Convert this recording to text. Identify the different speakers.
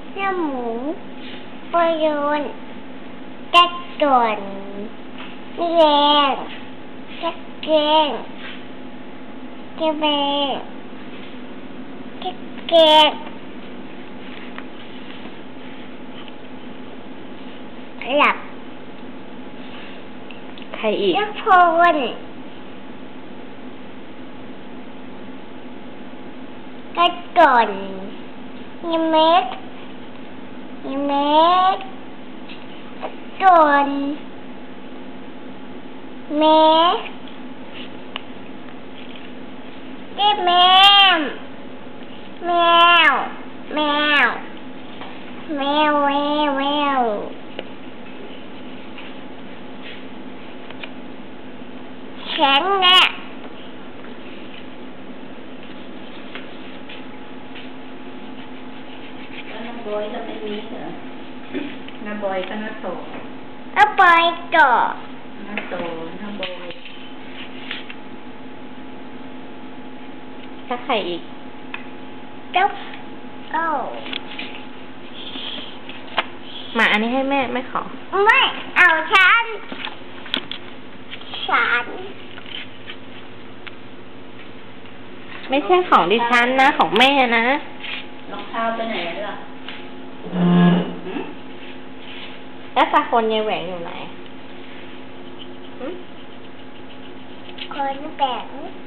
Speaker 1: น้ำหมูปลาโยนจัดก่อนแรงจัดแกงจะแบงจัดแกงหลับ
Speaker 2: ใครอีก
Speaker 1: ทุกคนจัดก่อนยังเม็ดก่อนแม่แม่แมวแมวแมวแมวแมวแมวแข็งแน่
Speaker 2: น้าบอยก็ไม่มีเหรอน้าบอยก็น้าโต
Speaker 1: เอาไปต่อ
Speaker 2: น้าโตน้าบอยถ้าใครอีก
Speaker 1: เจ้า
Speaker 2: มาอันนี้ให้แม่ไม่ขอ
Speaker 1: ไม่เอาฉัน
Speaker 2: ไม่ใช่ของดิฉันนะของแม่นะ
Speaker 3: รองเท้าไปไหนล่ะ
Speaker 2: แล้วตาคนยายแหวงอยู่ไหน
Speaker 1: คนแบ่ง